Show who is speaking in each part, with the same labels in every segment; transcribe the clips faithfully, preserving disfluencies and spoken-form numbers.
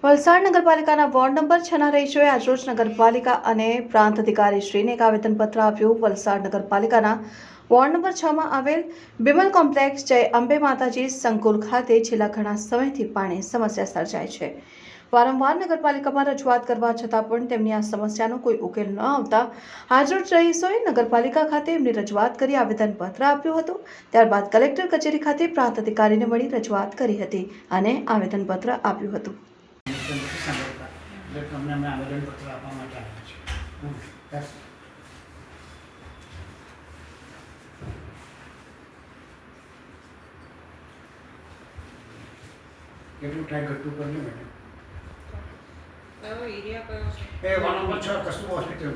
Speaker 1: વલસાડ નગરપાલિકાના ward number છના રહીશોએ આજરોજ નગરપાલિકા અને પ્રાંત અધિકારી શ્રીને એક આવેદનપત્ર આપ્યું। વલસાડ નગરપાલિકાના વોર્ડ નંબર છ માં આવેલ બિમલ કોમ્પ્લેક્સ જય અંબે માતાજી સંકુલ ખાતે છેલ્લા ઘણા સમયથી પાણી સમસ્યા સર્જાય છે। વારંવાર નગરપાલિકામાં રજૂઆત કરવા છતાં પણ તેમની આ સમસ્યાનો કોઈ ઉકેલ ન આવતા આજરોજ રહીશોએ નગરપાલિકા ખાતે એમની રજૂઆત કરી આવેદનપત્ર આપ્યું હતું। ત્યારબાદ કલેક્ટર કચેરી ખાતે પ્રાંત અધિકારીને મળી રજૂઆત કરી હતી અને આવેદનપત્ર આપ્યું હતું।
Speaker 2: તમને અમે આવેદનપત્ર આપવા માટે આવ્યા છીએ। કેટલું થાય ઘટતું કરી લે મેડમ।
Speaker 3: કયો એરિયા કયો છે?
Speaker 2: એ વન નંબર છ કસ્તુરબા હોસ્પિટલ।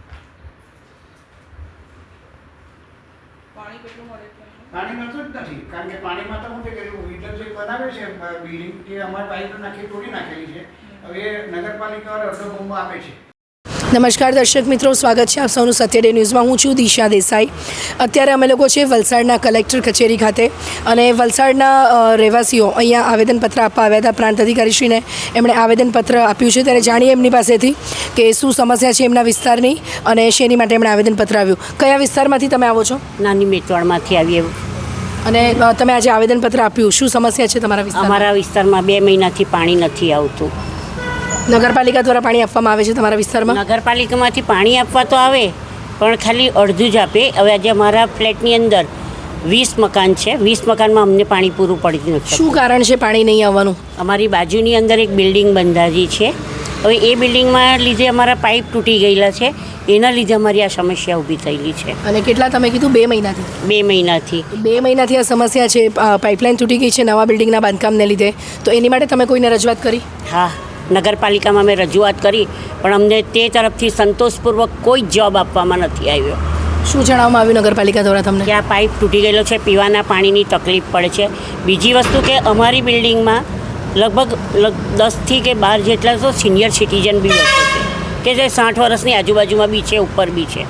Speaker 3: પાણી કેટલું મળે છે?
Speaker 2: પાણી મળતું જ નથી, કારણ કે પાણીમાં તો શું છે કે વિડલ જે બનાવે છે બિલ્ડિંગ તે અમારી પાઇપ નાખી તોડી નાખેલી છે। હવે નગરપાલિકા અડધો બોમ્બો આપે છે।
Speaker 4: નમસ્કાર દર્શક મિત્રો, સ્વાગત છે આપ સૌનું સત્ય ડે ન્યૂઝમાં। હું છું દિશા દેસાઈ। અત્યારે અમે લોકો છે વલસાડના કલેક્ટર કચેરી ખાતે અને વલસાડના રહેવાસીઓ અહીંયા આવેદનપત્ર આપવા આવ્યા હતા પ્રાંત અધિકારીશ્રીને। એમણે આવેદનપત્ર આપ્યું છે, ત્યારે જાણીએ એમની પાસેથી કે શું સમસ્યા છે એમના વિસ્તારની અને શેની માટે એમણે આવેદનપત્ર આવ્યું। કયા વિસ્તારમાંથી તમે આવો છો?
Speaker 5: નાની મેટવાડમાંથી આવીએ।
Speaker 4: અને તમે આજે આવેદનપત્ર આપ્યું, શું સમસ્યા છે તમારા વિસ્તારમાં?
Speaker 5: અમારા વિસ્તારમાં બે મહિનાથી પાણી નથી આવતું।
Speaker 4: નગરપાલિકા દ્વારા પાણી આપવામાં આવે છે તમારા વિસ્તારમાં?
Speaker 5: નગરપાલિકામાંથી પાણી આપવા તો આવે, પણ ખાલી અડધું જ આપે। હવે આજે અમારા ફ્લેટની અંદર વીસ મકાન છે, વીસ મકાનમાં અમને પાણી પૂરું પડી નથી।
Speaker 4: શું કારણ છે પાણી નહીં આવવાનું?
Speaker 5: અમારી બાજુની અંદર એક બિલ્ડિંગ બંધાજી છે, હવે એ બિલ્ડિંગમાં લીધે અમારા પાઇપ તૂટી ગયેલા છે, એના લીધે અમારી આ સમસ્યા ઊભી થયેલી છે।
Speaker 4: અને કેટલા તમે કીધું? બે મહિનાથી?
Speaker 5: બે મહિનાથી
Speaker 4: બે મહિનાથી આ સમસ્યા છે, પાઇપલાઇન તૂટી ગઈ છે નવા બિલ્ડિંગના બાંધકામને લીધે, તો એની માટે તમે કોઈને રજૂઆત કરી?
Speaker 5: હા, નગરપાલિકામાં મેં રજૂઆત કરી, પણ અમને તે તરફથી સંતોષપૂર્વક કોઈ જવાબ આપવામાં નથી આવ્યો।
Speaker 4: શું જણાવવામાં આવ્યું નગરપાલિકા દ્વારા તમને?
Speaker 5: કે આ પાઇપ તૂટી ગયેલો છે, પીવાના પાણીની તકલીફ પડે છે। બીજી વસ્તુ કે અમારી બિલ્ડિંગમાં લગભગ દસથી કે બાર જેટલા તો સિનિયર સિટીઝન બી વસે છે, કે જે સાઠ વર્ષની આજુબાજુમાં બી છે, ઉપર બી છે।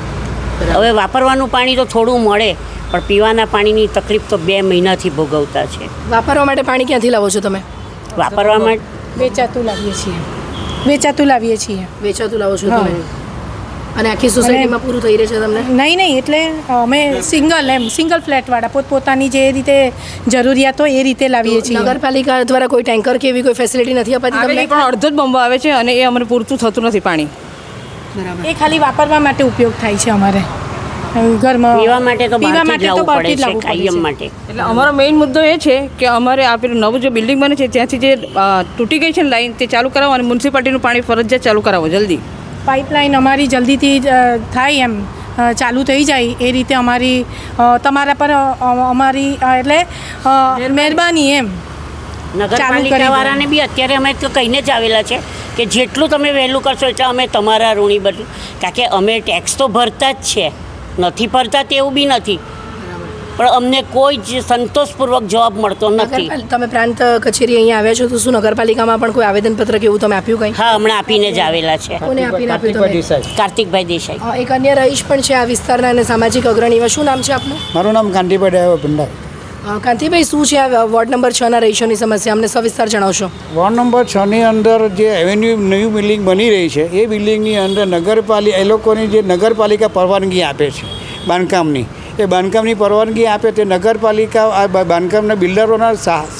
Speaker 5: હવે વાપરવાનું પાણી તો થોડું મળે, પણ પીવાના પાણીની તકલીફ તો બે મહિનાથી ભોગવતા છે।
Speaker 4: વાપરવા માટે પાણી ક્યાંથી લાવો છો તમે?
Speaker 5: વાપરવા માટે
Speaker 6: વેચાતું લાવીએ છીએ વેચાતું લાવીએ છીએ
Speaker 4: વેચાતું લાવો છો તમે? અને આખી સોસાયટીમાં પૂરું થઈ રહે છે તમને?
Speaker 6: નહીં નહીં એટલે અમે સિંગલ એમ સિંગલ ફ્લેટવાળા પોતપોતાની જે રીતે જરૂરિયાત હોય એ રીતે લાવીએ છીએ।
Speaker 4: નગરપાલિકા દ્વારા કોઈ ટેન્કર કે એવી કોઈ ફેસિલિટી નથી અપાતી તમને?
Speaker 3: પણ અડધો જ બોમ્બો આવે છે અને એ અમને પૂરતું થતું નથી પાણી।
Speaker 4: બરાબર।
Speaker 6: એ ખાલી વાપરવા માટે ઉપયોગ થાય છે અમારે ઘરમાં।
Speaker 5: પીવા માટે તો
Speaker 6: પીવા
Speaker 5: બહારથી જ
Speaker 6: માટે તો
Speaker 5: લાવવું
Speaker 6: બહારથી
Speaker 5: પડે
Speaker 6: જ
Speaker 5: છે
Speaker 6: લાવવું પડે
Speaker 5: કાયમ
Speaker 6: છે।
Speaker 5: માટે।
Speaker 3: એટલે અમારો મેઇન મુદ્દો એ છે કે અમારે આ પેલું નવું જે બિલ્ડિંગ બને છે ત્યાંથી જે તૂટી ગઈ છે ને લાઈન, તે ચાલુ કરાવો અને મ્યુનિસિપાલિટીનું પાણી ફરજિયાત ચાલુ કરાવો જલ્દી।
Speaker 6: પાઇપલાઇન અમારી જલ્દીથી થાય એમ ચાલુ થઈ જાય એ રીતે અમારી તમારા પર અમારી એટલે મહેરબાની એમ।
Speaker 5: નગરપાલિકાવાળાને બી અત્યારે અમે તો કહીને જ આવેલા છે કે જેટલું તમે વહેલું કરશો એટલે અમે તમારા ઋણી બનશું, કારણ કે અમે ટેક્સ તો ભરતા જ છે, નથી ભરતા તેવું બી નથી, પણ અમને કોઈ જ સંતોષપૂર્વક જવાબ મળતો નથી।
Speaker 4: તમે પ્રાંત કચેરી અહીંયા આવ્યા છો તો શું નગરપાલિકામાં પણ કોઈ આવેદનપત્ર કે એવું તમે આપ્યું કંઈ?
Speaker 5: હા, હમણાં આપીને જ આવેલા છે।
Speaker 4: કોને આપીને આપ્યું તમે?
Speaker 5: કાર્તિકભાઈ દેસાઈ।
Speaker 4: એક અન્ય રહીશ પણ છે આ વિસ્તારના અને સામાજિક અગ્રણીમાં। શું નામ છે આપનું?
Speaker 2: મારું નામ કાંતિભાઈ ડાયો ભંડાર।
Speaker 4: કાંતિભાઈ, શું છે આ વોર્ડ નંબર છ ના રહીશોની સમસ્યા? અમને સવિસ્તાર જણાવશો?
Speaker 2: વોર્ડ નંબર છ ની અંદર જે એવેન્યુ નવી બિલ્ડિંગ બની રહી છે એ બિલ્ડિંગની અંદર નગરપાલિકા એ લોકોની જે નગરપાલિકા પરવાનગી આપે છે બાંધકામની, એ બાંધકામની પરવાનગી આપે તે નગરપાલિકા આ બાંધકામના બિલ્ડરોના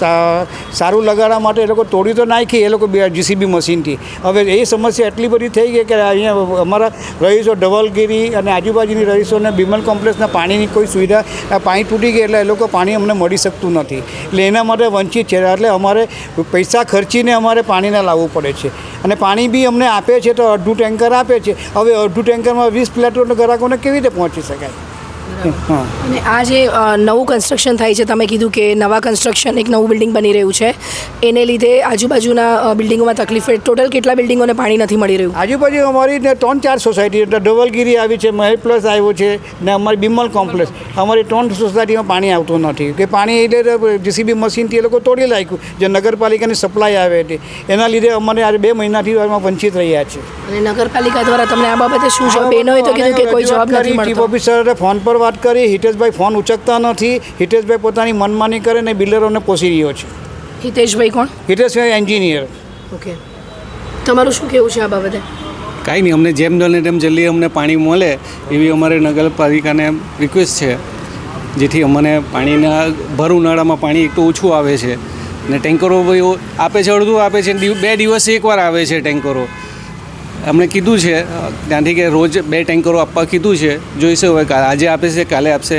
Speaker 2: સારું લગાડવા માટે એ લોકો તોડી તો નાખી એ લોકો જીસીબી મશીનથી। હવે એ સમસ્યા એટલી બધી થઈ ગઈ કે અહીંયા અમારા રહીશો ધવલગીરી અને આજુબાજુની રહીશોને બિમલ કોમ્પ્લેક્સના પાણીની કોઈ સુવિધા, પાણી તૂટી ગઈ એટલે એ લોકો પાણી અમને મળી શકતું નથી, એટલે એના માટે વંચિત છે। એટલે અમારે પૈસા ખર્ચીને અમારે પાણીને લાવવું પડે છે અને પાણી બી અમને આપે છે તો અડધું ટેન્કર આપે છે। હવે અડધું ટેન્કરમાં વીસ પ્લેટોના ગ્રાહકોને કેવી રીતે પહોંચી શકાય?
Speaker 4: અને આ જે નવું કન્સ્ટ્રક્શન થાય છે, તમે કીધું કે નવા કન્સ્ટ્રક્શન એક નવું બિલ્ડિંગ બની રહ્યું છે, એને લીધે આજુબાજુના બિલ્ડિંગોમાં તકલીફ છે। ટોટલ કેટલા બિલ્ડિંગોને પાણી નથી મળી રહ્યું?
Speaker 2: આજુબાજુ અમારી ત્રણ ચાર સોસાયટી એટલે ધવલગીરી આવી છે, મહેલ પ્લસ આવ્યો છે ને અમારી બિમલ કોમ્પ્લેક્સ, અમારી ત્રણ સોસાયટીમાં પાણી આવતું નથી કે પાણી એટલે જીસીબી મશીનથી એ લોકો તોડી નાખ્યું જે નગરપાલિકાની સપ્લાય આવે હતી, એના લીધે અમારે આજે બે મહિનાથી વંચિત રહ્યા છે।
Speaker 4: અને નગરપાલિકા દ્વારા તમને આ બાબતે શું જવાબ? એનો તો કીધું કે કોઈ જવાબ નથી મળતો।
Speaker 2: ચીફ ઓફિસરે ફોન પર વાત કરી, હિતેશભાઈ ફોન ઉચકતા નથી, હિતેશભાઈ પોતાની મનમાની કરે ને બિલ્ડરોને પોષી રહ્યો છે।
Speaker 4: હિતેશભાઈ કોણ?
Speaker 2: હિતેશભાઈ એન્જિનિયર।
Speaker 4: ઓકે, તમારું શું કહેવું છે આ બાબતે?
Speaker 7: કાંઈ નહીં, અમને જેમ બને તેમ જલ્દી અમને પાણી મળે એવી અમારે નગરપાલિકાને રિક્વેસ્ટ છે, જેથી અમને પાણીના ભર ઉનાળામાં પાણી એક તો ઓછું આવે છે ને ટેન્કરો ભાઈ આપે છે, અડધું આપે છે, બે દિવસે એકવાર આવે છે ટેન્કરો. અમને કીધું છે ત્યાંથી કે રોજ બે ટેન્કરો આપવા કીધું છે, જોઈશે હવે આજે આપે છે કાલે આપશે.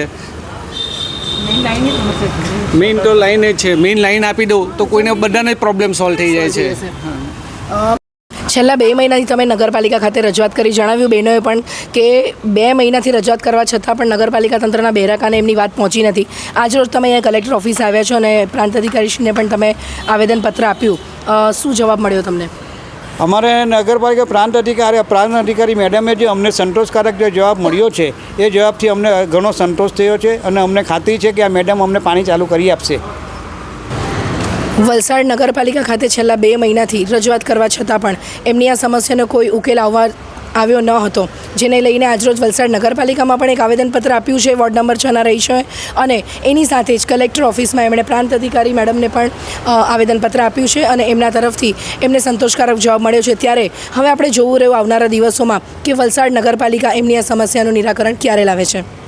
Speaker 7: મેઇન તો લાઈન જ છે, મેઇન લાઈન આપી દઉં તો કોઈને બધાને જ પ્રોબ્લેમ સોલ્વ થઈ જાય છે.
Speaker 4: છેલ્લા બે મહિનાથી તમે નગરપાલિકા ખાતે રજૂઆત કરી, જણાવ્યું બહેનોએ પણ કે બે મહિનાથી રજૂઆત કરવા છતાં પણ નગરપાલિકા તંત્રના બેરાકાને એમની વાત પહોંચી નથી. આજરોજ તમે અહીંયા કલેક્ટર ઓફિસ આવ્યા છો અને પ્રાંત અધિકારીશ્રીને પણ તમે આવેદનપત્ર આપ્યું, શું જવાબ મળ્યો તમને?
Speaker 2: અમારે નગરપાલિકા પ્રાંત અધિકારી પ્રાંત અધિકારી મેડમે જે અમને સંતોષકારક જે જવાબ મળ્યો છે એ જવાબથી અમને ઘણો સંતોષ થયો છે અને અમને ખાતરી છે કે આ મેડમ અમને પાણી ચાલુ કરી આપશે.
Speaker 4: વલસાડ નગરપાલિકા ખાતે છેલ્લા બે મહિનાથી રજૂઆત કરવા છતાં પણ એમની આ સમસ્યાનો કોઈ ઉકેલ આવવા આવ્યો ન હતો, જેને લઈને આજરોજ વલસાડ નગરપાલિકામાં પણ એક આવેદનપત્ર આપ્યું છે વોર્ડ નંબર છના રહીશોએ, અને એની સાથે જ કલેક્ટર ઓફિસમાં એમણે પ્રાંત અધિકારી મેડમને પણ આવેદનપત્ર આપ્યું છે અને એમના તરફથી એમને સંતોષકારક જવાબ મળ્યો છે. ત્યારે હવે આપણે જોવું રહ્યું આવનારા દિવસોમાં કે વલસાડ નગરપાલિકા એમની આ સમસ્યાનું નિરાકરણ ક્યારે લાવે છે.